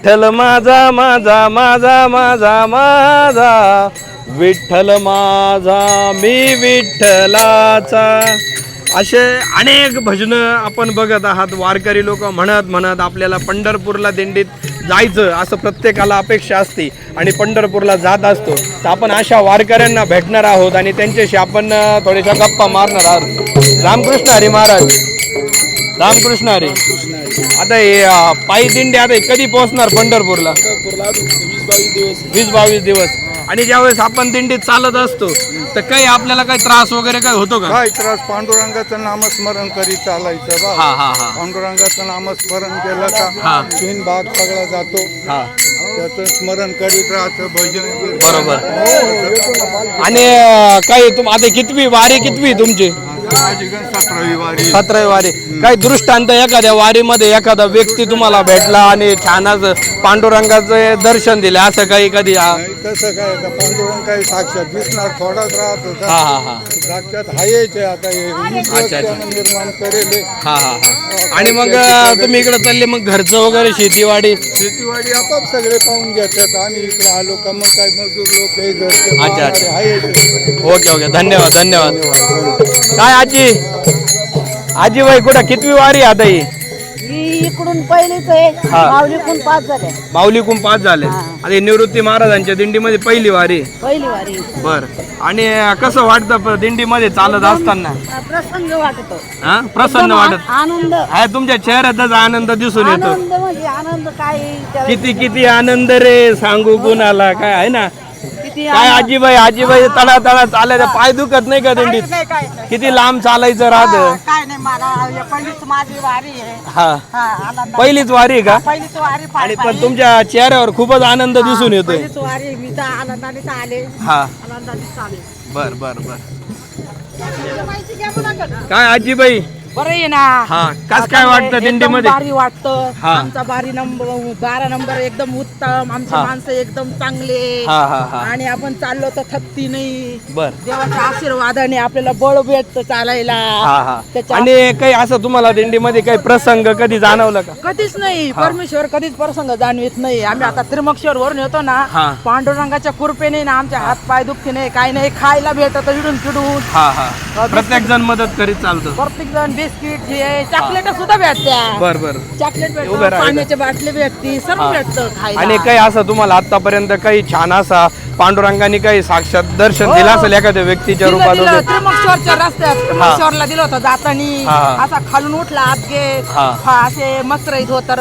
विठ्ठल माझा माझा माझा माझा माझा विठ्ठल माझा मी विठ्ठलाचा. असे अनेक भजनं आपण बघत आहात. वारकरी लोक म्हणत म्हणत आपल्याला पंढरपूरला दिंडीत जायचं असं प्रत्येकाला अपेक्षा असते आणि पंढरपूरला जात असतो. तर आपण अशा वारकऱ्यांना भेटणार आहोत आणि त्यांच्याशी आपण थोड्याशा गप्पा मारणार आहोत. रामकृष्ण हरी महाराज. रामकृष्ण हरी. आता हे पायी दिंडी आता कधी पोहोचणार पंढरपूरला? 20-22 दिवस. आणि ज्यावेळेस आपण दिंडीत चालत असतो तर काही आपल्याला काही त्रास वगैरे काही होतो का? काय त्रास? पांडुरंगाचं नामस्मरण करीत चालायचं बा. पांडुरंगाचं नामस्मरण केलं का 3 भाग सगळा जातो. त्याचं स्मरण करीत राहतं. भजन बरोबर. आणि काही आता कितवी वारी कितवी तुमची? 17वी वारी. 17वी वारी. काही दृष्टांत एखाद्या वारीमध्ये एखादा व्यक्ती तुम्हाला भेटला आणि छान पांडुरंगाचं दर्शन दिले असं काही कधी? तसं काय आता पांडुरंग काही साक्षात दिसणार थोडाच राहत होता. साक्षात हायच आता निर्माण करेल. आणि मग तुम्ही इकडे चालले मग घरचं वगैरे शेतीवाडी आपाप सगळे पाहून घेतात. आम्ही इकडे आलो का मग काय मजदूर लोक काही घरचे. अच्छा. ओके धन्यवाद धन्यवाद. काय आजी बाई कुठं कितवी वारी आता ही? इकडून पहिलीच आहे. माऊलीकडून 5 झाले. माऊलीकडून 5 झाले. आता निवृत्ती महाराजांच्या दिंडीमध्ये पहिली वारी. बर. आणि कसं वाटतं दिंडीमध्ये चालत असताना? प्रसन्न वाटतो. प्रसन्न वाटत. आनंद आहे तुमच्या चेहऱ्यातच आनंद दिसून येतो. आनंद म्हणजे आनंद काय किती आनंद रे सांगू कुणाला काय आहे ना. काय आजीबाई तळा तळा चालायचं पाय दुखत नाही का दिंडीत? किती लांब चालायचं राहत? काय नाही मला पहिलीच माझी वारी आहे. पहिलीच वारी आहे का? पहिलीच वारी. आणि पण तुमच्या चेहऱ्यावर खूपच आनंद दिसून येतोय. पहिलीच वारी. मी तर आनंदाने आले. आनंदाने चाले. बर. काय आजीबाई बरं आहे ना. कस काय वाटतं दिंडीमध्ये? भारी वाटतं. आमचा बारी नंबर 12 नंबर एकदम उत्तम. आमची माणसं एकदम चांगले. आणि आपण चाललो तर थकती नाही. देवाच्या आशीर्वादाने आपल्याला बळ भेटतं चालायला. आणि काही असं तुम्हाला दिंडीमध्ये काही प्रसंग कधी जाणवलं का? कधीच नाही. परमेश्वर कधीच प्रसंग जाणवित नाही. आम्ही आता त्रिमक्षर वरून येतो ना. पांडुरंगाच्या कृपेने ना आमच्या हात पाय दुखते नाही काही नाही. खायला भेटत इडून फिडून. प्रत्येक जण मदत करीत चालतो. प्रत्येक जण बिस्किट हे चॉकलेट सुद्धा भेटत्या. बर. चॉकलेट भेटतं. पाण्याची बाटली भेटती. सर्व भेटतं खायला. आणि काही असं तुम्हाला आतापर्यंत काही छान असा पांडुरंगाने काही साक्षात दर्शन दिलं असेल एखाद्या व्यक्तीच्या रूपात? त्रिमक्षरच्या रस्त्यात त्रिमक्षरला दिलं होतं जातानी. असा खालून उठला आत असे मस्त राहत होत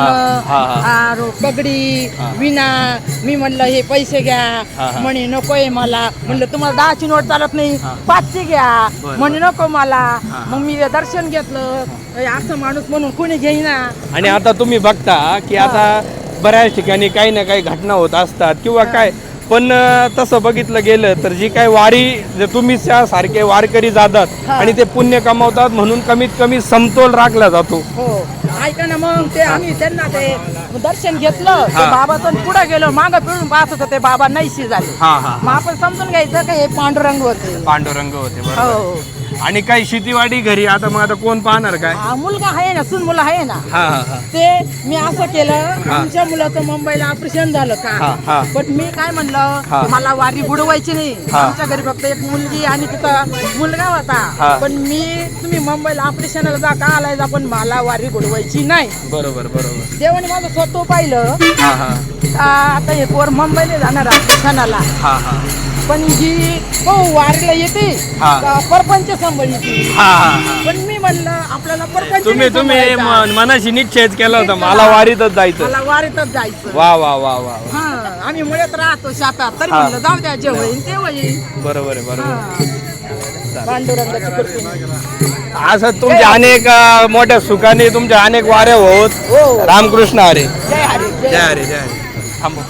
जुनं पगडी विना. मी म्हणलं हे पैसे घ्या. म्हणे नकोय मला. म्हणलं तुम्हाला 10ची नोट चालत नाही 5ची घ्या. म्हणे नको मला. मग मी दर्शन घेतलं. असं माणूस म्हणून कोणी घेईना. आणि आता तुम्ही बघता की आता बऱ्याच ठिकाणी काही ना काही घटना होत असतात किंवा काय. पण तसं बघितलं गेलं तर जी काय वारी तुम्ही सारखे वारकरी जातात आणि ते पुण्य कमावतात म्हणून कमीत कमी समतोल राखला जातो. ऐका ना. मग ते आम्ही त्यांना ते दर्शन घेतलं. बाबाचं पुढे गेलो. मागं पिळून पाहत होतं ते बाबा नाहीशी झाले. मग आपण समजून घ्यायचं का हे पांडुरंग होते. बरोबर. आणि काही शेतीवाडी घरी आता मग आता कोण पाहणार काय? मुलगा आहे ना. सून मुलं आहे ना. ते मी असं केलं. आमच्या मुलाचं मुंबईला ऑपरेशन झालं का. पण मी काय म्हणलं मला वारी बुडवायची नाही. आमच्या घरी फक्त एक मुलगी आणि तिचा मुलगा होता. पण तुम्ही मुंबईला ऑपरेशनला जा का आलाय पण मला वारी बुडवायची नाही. बरोबर. देवाने माझं स्वतः पाहिलं. आता हे पोर मुंबईला जाणार ऑपरेशनाला. पण ही वारीला येते परपंच सांभाळली. पण मी म्हणलं आपल्याला परपंच तुम्ही मनाशी निश्चयच केला होता मला वारीतच जायचं. मला वारीतच जायचं. वा. आम्ही मुळात राहतो शापात. तरी म्हणलं जाऊ द्या जे होईल ते होईल. बरोबर. पांडुरंगाची कृपा. असं तुमच्या अनेक मोठ्या सुखाने तुमच्या अनेक वाऱ्या होत. रामकृष्ण हरी. जय हरी. जय हरी. थांबा.